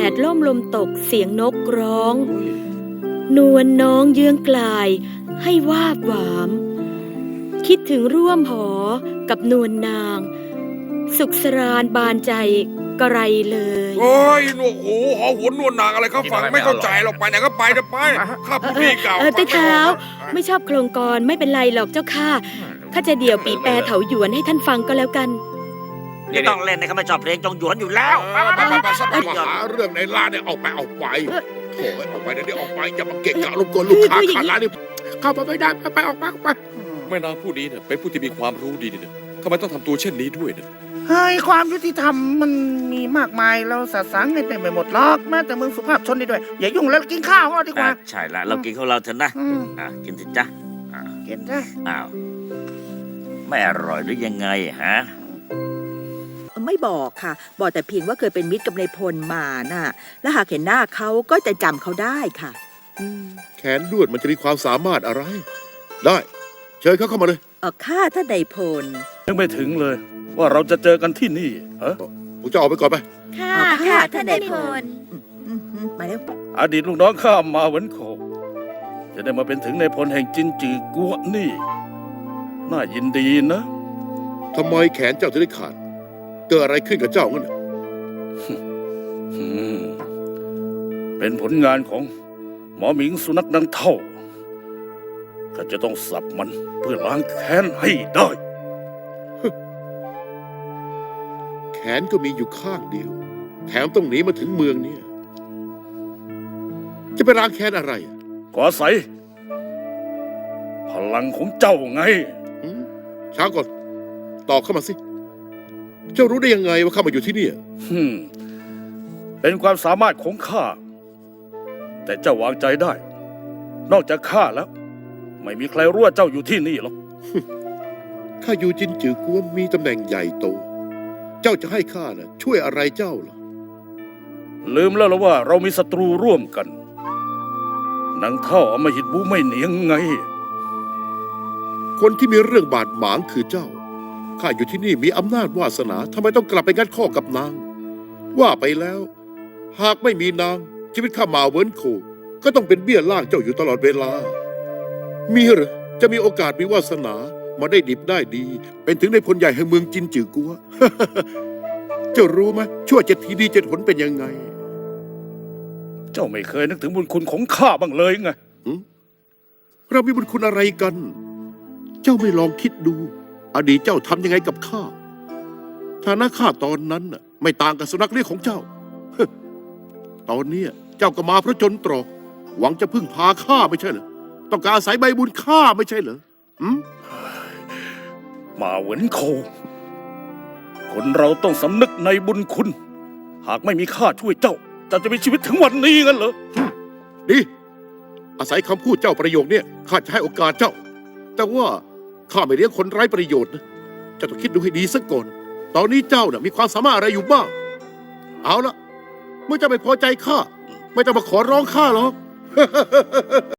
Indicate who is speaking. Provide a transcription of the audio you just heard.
Speaker 1: ดล่มลมตกเสียงนกร้อง นวลน้องเยื้องกลายให้วาบหวามคิดถึงร่วมหอกับนวลนางสุขสรานบานใจกระไรเลย
Speaker 2: โอ้ยหนวกหูหอหัวนวลนางอะไรเขาฟังไม่เข้าใจหรอกไปไหนก็ไปเถอะไปข้าพูดดีเก่า
Speaker 1: เต้เท้าไม่ชอบโครงกรไม่เป็นไรหรอกเจ้าค่ะข้าจะเดี่ยวปีแปรเถาหยวนให้ท่านฟังก็แล้วกัน
Speaker 3: ไม่ต้องเล่นในคำว่าชอบเพลงจงหยวนอยู่แล้ว
Speaker 2: ไปสักมาหาเรื่องในร้านเนี่ยออกไปโถ่ออกไปเดี๋ยวออกไปอย่ามาเกะกะรบกวนลูกค้าขาดร้านนี่เข้าไปไม่ได้ไปออกไป
Speaker 4: แม่นางผู้นี้เนี่ยเป็นผู้ที่มีความรู้ดีเนี่ยทำไมต้องทำตัวเช่นนี้ด้วยเนี่ย
Speaker 5: เฮ้ยความยุติธรรมมันมีมากมายเราสะสางเงินไปหมดหรอกแม้แต่เมืองสุภาพชนนี่ด้วยอย่ายุ่งแล้วกินข้าวของเราดีกว่า
Speaker 3: ใช่ละเรากินของเราเถอะนะกินสิจ๊ะ
Speaker 5: กินซะ
Speaker 3: อ้าวไม่อร่อยหรือยังไงฮะ
Speaker 6: ไม่บอกค่ะบอกแต่เพียงว่าเคยเป็นมิตรกับนายพลมาน่ะและหากเห็นหน้าเขาก็จะจำเขาได้ค่ะ
Speaker 7: แขนด้วนมันจะมีความสามารถอะไรได้เชิญเขาเข้ามาเลย
Speaker 6: ข้าท่านนายพล
Speaker 8: ยังไม่ถึงเลยว่าเราจะเจอกันที่นี่
Speaker 7: ผมจะออกไปก่อนไป
Speaker 6: ค่ะท่านนายพลมาเร็ว
Speaker 8: อดีตลูกน้องข้ามาเหวินโขจะได้มาเป็นถึงนายพลแห่งจินจือกัวนี่น่ายินดีนะ
Speaker 7: ทำไมแขนเจ้าถึงได้ขาดเกิดอะไรขึ้นกับเจ้างั้น
Speaker 8: เป็นผลงานของหมอหมิงสุนัขดังเท่าข้าจะต้องสับมันเพื่อล้างแค้นให้ได้
Speaker 7: แขนก็มีอยู่ข้างเดียวแถมต้องหนีมาถึงเมืองนี้จะไปล้างแค้นอะไร
Speaker 8: ขอใส่พลังของเจ้าไง
Speaker 7: ช้าก่อนตอบเข้ามาสิเจ้ารู้ได้ยังไงว่าข้ามาอยู่ที่นี่
Speaker 8: เป็นความสามารถของข้าแต่เจ้าวางใจได้นอกจากข้าแล้วไม่มีใครรู้ว่าเจ้าอยู่ที่นี่หรอก
Speaker 7: ข้าอยู่จินจือกัวมีตำแหน่งใหญ่โตเจ้าจะให้ข้าน่ะช่วยอะไรเจ้าเหรอ
Speaker 8: ลืมแล้วหรือว่าเรามีศัตรูร่วมกันนางเท่าอำมหิตบูไม่เหนียงไง
Speaker 7: คนที่มีเรื่องบาดหมางคือเจ้าข้าอยู่ที่นี่มีอำนาจวาสนาทำไมต้องกลับไปงัดข้อกับนางว่าไปแล้วหากไม่มีนางชีวิตข้ามาเวินโคก็ต้องเป็นเบี้ยล่างเจ้าอยู่ตลอดเวลามีหรือจะมีโอกาสมีวาสนามาได้ดิบได้ดีเป็นถึงในพลใหญ่แห่งเมืองจินจือกัว เจ้ารู้ไหมชั่ว7 ทีดี7 หนเป็นยังไง
Speaker 8: เจ้าไม่เคยนึกถึงบุญคุณของข้าบ้างเลยไง
Speaker 7: เรามีบุญคุณอะไรกันเจ้าไม่ลองคิดดูอดีตเจ้าทำยังไงกับข้าฐานะข้าตอนนั้นน่ะไม่ต่างกับสุนัขเลี้ยงของเจ้า ตอนนี้เจ้าก็มาเพราะจนตรอกหวังจะพึ่งพาข้าไม่ใช่เหรอต้องการอาศัยใบบุญข้าไม่ใช่เหรอ
Speaker 8: มาเหวินโคคนเราต้องสำนึกในบุญคุณหากไม่มีข้าช่วยเจ้าจะมีชีวิตถึงวันนี้งั้นเหรอ
Speaker 7: ดีอาศัยคำพูดเจ้าประโยคเนี่ยข้าจะให้โอกาสเจ้าแต่ว่าข้าไม่เลี้ยงคนไร้ประโยชน์นะเจ้าต้องคิดดูให้ดีสักก่อนตอนนี้เจ้ามีความสามารถอะไรอยู่บ้างเอาละเมื่อเจ้าไม่พอใจข้าไม่ต้องมาขอร้องข้าหรอก